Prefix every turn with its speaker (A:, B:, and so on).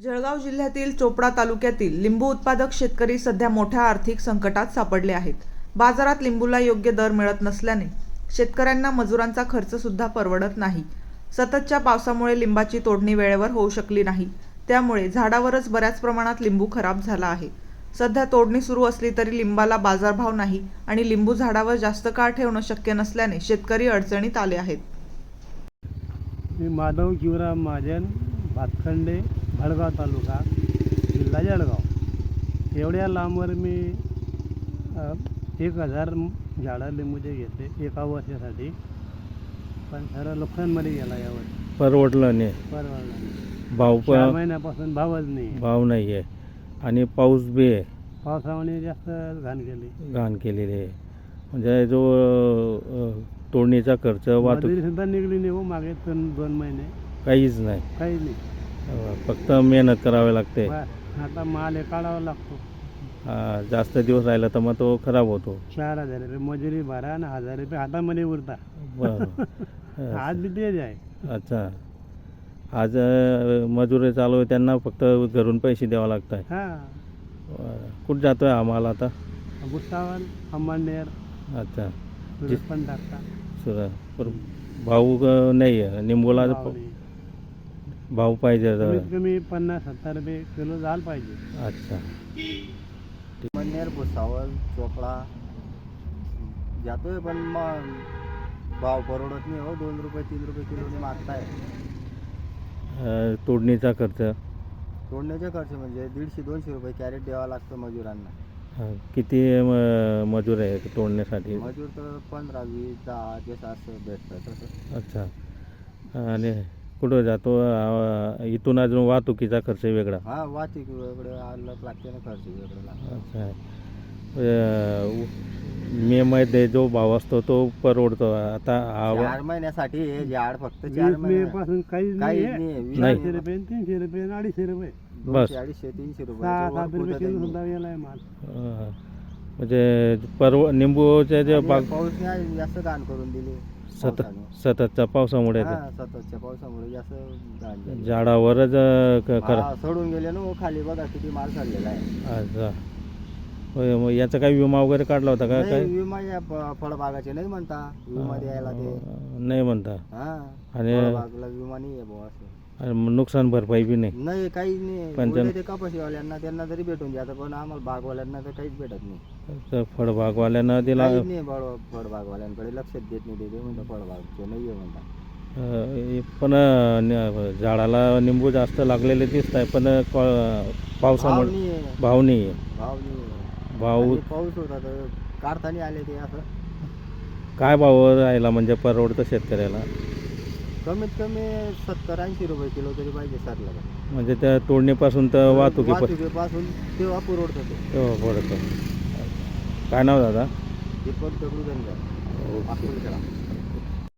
A: जळगाव जिल्ह्यातील चोपडा तालुक्यातील लिंबू उत्पादक शेतकरी सध्या मोठ्या आर्थिक संकटात सापडले आहेत. बाजारात लिंबूला योग्य दर मिळत नसल्याने शेतकऱ्यांना मजुरांचा खर्च सुद्धा परवडत नाही. सततच्या पावसामुळे लिंबाची तोडणी वेळेवर होऊ शकली नाही. त्यामुळे झाडावरच बऱ्याच प्रमाणात लिंबू खराब झाला आहे. सध्या तोडणी सुरू असली तरी लिंबाला बाजारभाव नाही आणि लिंबू झाडावर जास्त काळ ठेवणं शक्य नसल्याने शेतकरी अडचणीत आले आहेत.
B: मी माधव शिवराम महाजन, भातखंडे, भडगाव तालुका, जिल्हा जळगाव. एवढ्या लांबवर मी 1000 झाडं लिंबूचे घेतले एका वर्षासाठी, पण खरं नुकसानमध्ये गेला यावर.
C: परवडलं नाही. भाव
B: 4 महिन्यापासून भावच नाही.
C: भाव नाही आहे आणि पाऊस बी आहे.
B: पावसामुळे जास्त
C: घाण केलेली आहे. म्हणजे जो तोडणीचा खर्च वाहतूक
B: सुद्धा निघली नाही हो मागे 2 महिने.
C: काहीच नाही. फक्त मेहनत करावी लागते.
B: आता माल काढावा लागतो.
C: जास्त दिवस राहिला तर मग तो खराब होतो.
B: 4000 रुपये मजुरी भरा आणि 1000 रुपये हातामध्ये उरता. आज बी तेच आहे.
C: अच्छा, आज मजुरी चालू आहे, त्यांना फक्त घरून पैसे द्यावा लागत आहे. कुठं जातोय हा माल आता?
B: भुसावळ, अंबानेर.
C: अच्छा,
B: पण टाकता
C: भाऊ नाही आहे लिंबूला. भाव पाहिजे
B: कमी 50-70 रुपये किलो झालं पाहिजे.
C: अच्छा,
D: अंबानेर, भुसावळ, चोपडा जातोय, पण मग भाव परवडत नाही हो. 2 रुपये 3 रुपये किलोने मागताय.
C: तोडणीचा खर्च,
D: तोडण्याचा खर्च म्हणजे 150-200 रुपये कॅरेट द्यावा लागतो मजुरांना.
C: किती मजूर आहे तोडण्यासाठी?
D: मजूर तर 15, 20, 10 जसं असं भेटतं तसं.
C: अच्छा, आणि कुठं जातो? इथून अजून वाहतुकीचा खर्च वेगळा?
D: हा, वाहतूक वेगळं आलं लागते ना, खर्च वेगळं लागतो.
C: अच्छा, मे मध्ये जो भाव असतो तो परवडतो. आता
D: 4 महिन्यासाठी हे झाड फक्त 4
B: मे
D: महिने
B: पासून काहीच
D: काहीच
B: नाही.
D: नाही.
B: 200 रुपये, 300 रुपये, 250 रुपये,
C: बस.
D: 200-250-300
B: 7 रुपये किलो
D: रुपये.
B: सुद्धा गेलाय माल.
C: म्हणजे निंबूचे जे बाग
D: पाऊस नाही जास्त घाण करून दिली.
C: सततच्या पावसामुळे
D: हा, सततच्या पावसामुळे जास्त घाण झाली.
C: झाडावरच
D: सोडून गेले ना हो, खाली बघा किती माल चाललेला आहे.
C: अच्छा, मग याचा काही विमा वगैरे काढला होता का?
D: नाही,
C: काय
D: विमा या फळबागाचे नाही म्हणता. विमा द्यायला ते
C: नाही म्हणता.
D: हा,
C: आणि
D: फळबागला विमा नाही आहे बुवा असं.
C: नुकसान भरपाई बी नाही?
D: नाही, काहीच नाही.
C: पण
D: उलट ते कपाशीवाल्यांना त्यांना तरी भेटून जातं, पण आम्हाला बागवाल्यांना तर काहीच भेटत नाही.
C: फळबागवाल्यांना दिला
D: काहीच नाही. फळबागवाल्यांकडे लक्षात देत नाही. ते म्हणतात फळबागचे नाही आहे म्हणतात.
C: पण झाडाला निंबू जास्त लागलेले दिसत आहे, पण पावसामुळे भाव नाही आहे. भाव
D: आणि पाऊस होता तर काढताना आले ते असं.
C: काय भाव राहिला म्हणजे परवडतं शेतकऱ्याला?
D: कमीत कमी 70-80 रुपये किलो तरी पाहिजे सरला.
C: म्हणजे त्या तोडणीपासून तर
D: वाहतुकीपासून तेव्हा पुरवडतं ते.
C: तेव्हा पडतं. काय नाव दादा?
D: दीपक दगडू धनगर,
C: ओके.
D: अकोलकडा.